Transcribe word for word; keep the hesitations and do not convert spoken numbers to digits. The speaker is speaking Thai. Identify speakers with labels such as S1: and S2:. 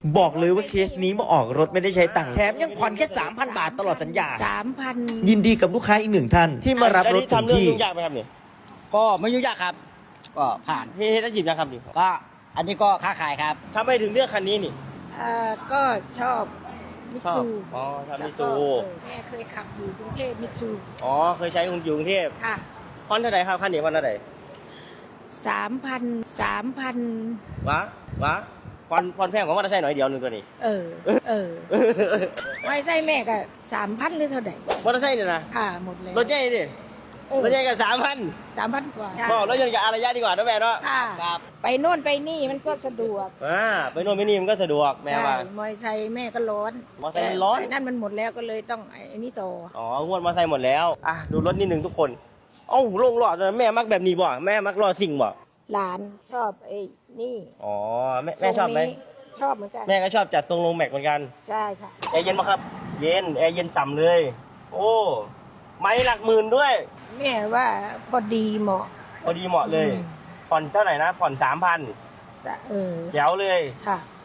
S1: บอกเลยว่าเคสนี้มาออกรถไม่ได้ใช้ตังค์แถมยังผ่อนแค่ สามพัน บาทตลอดสัญญา
S2: สามพัน
S1: ยินดีกับลูกค้าอีกหนึ่งท่านที่มารับรถถึง
S3: ทำเรื่อง
S1: ที่
S3: ยุ่งยากไหมครับนี่
S4: ก็ไม่ยุ่งยากครับ ก็ผ่าน
S3: เฮ้ยได้จีบนะครับนี่
S4: ก็อันนี้ก็ค้าขายครับ
S3: ทำไมถึงเลือกคันนี้นี่
S2: เอ่อก็ชอบมิต
S3: ชอบ
S2: ซู
S3: อ๋อทำมิตซู
S2: แล้วก็เออแม่เคยขับอยู่กรุงเทพมิตซู
S3: อ๋อเคยใช้อยู่กรุงเทพ
S2: ค่ะ
S3: ผ่อนเท่าไหร่ครับคันนี้ผ่อนเท่าไหร่
S2: สามพันสามพัน
S3: วะวะผ่อนผ่อนแพงกว่ามอเตอร์ไซค์หน่อยเดียวหนึงตัวนี้
S2: เออ เออ ไม่ใช่แม่ก็สามพันหรือเท่าไหร่
S3: มอเตอร์ไซค์เนี่ยนะ
S2: ค่ะหมดแล้ว
S3: รถใหญ่ดิ
S2: เออ
S3: รถใหญ่กับสามพัน
S2: สามพันกว่า
S3: บอกรถยนต์กับอารยะดีกว่านะแม่เนาะ
S2: ค่ะ
S4: ครับ
S2: ไปโน่นไปนี่มันก็สะดวก
S3: อ่าไปโน่นไปนี่มันก็สะดวกแม่
S2: ใช่
S3: ว่า
S2: มอเตอร์ไซค์แม่ก็ร้อน
S3: มอเตอร์ไซค์มันร้อน
S2: แต่นั่นมันหมดแล้วก็เลยต้องไอ้นี่ต่อ
S3: อ๋องวดมอเตอร์ไซค์หมดแล้วอ่ะดูรถนิดหนึ่งทุกคนเอ้าลงหลอดเลยแม่มักแบบนี้บ่แม่มักรอสิ่งบ่
S2: หลานชอบไอ้นี่
S3: อ๋อแม่แม่ชอบไหม
S2: ทรงนี้ชอบเหมือนกัน
S3: แม่ก็ชอบจัดทรงลงแม็กเหมือนกัน
S2: ใช่ค่ะ
S3: แอร์เย็นปะครับ เย็นแอร์เย็นส่ำเลย โอ้ไม้หลักหมื่นด้วย
S2: แม่ว่าพอดีเหมาะ
S3: พอดีเหมาะเลย
S2: อืม
S3: ผ่อนเท่าไหร่นะ ผ่อนสามพัน
S2: เออ
S3: แจ๋วเลย
S2: ค่ะ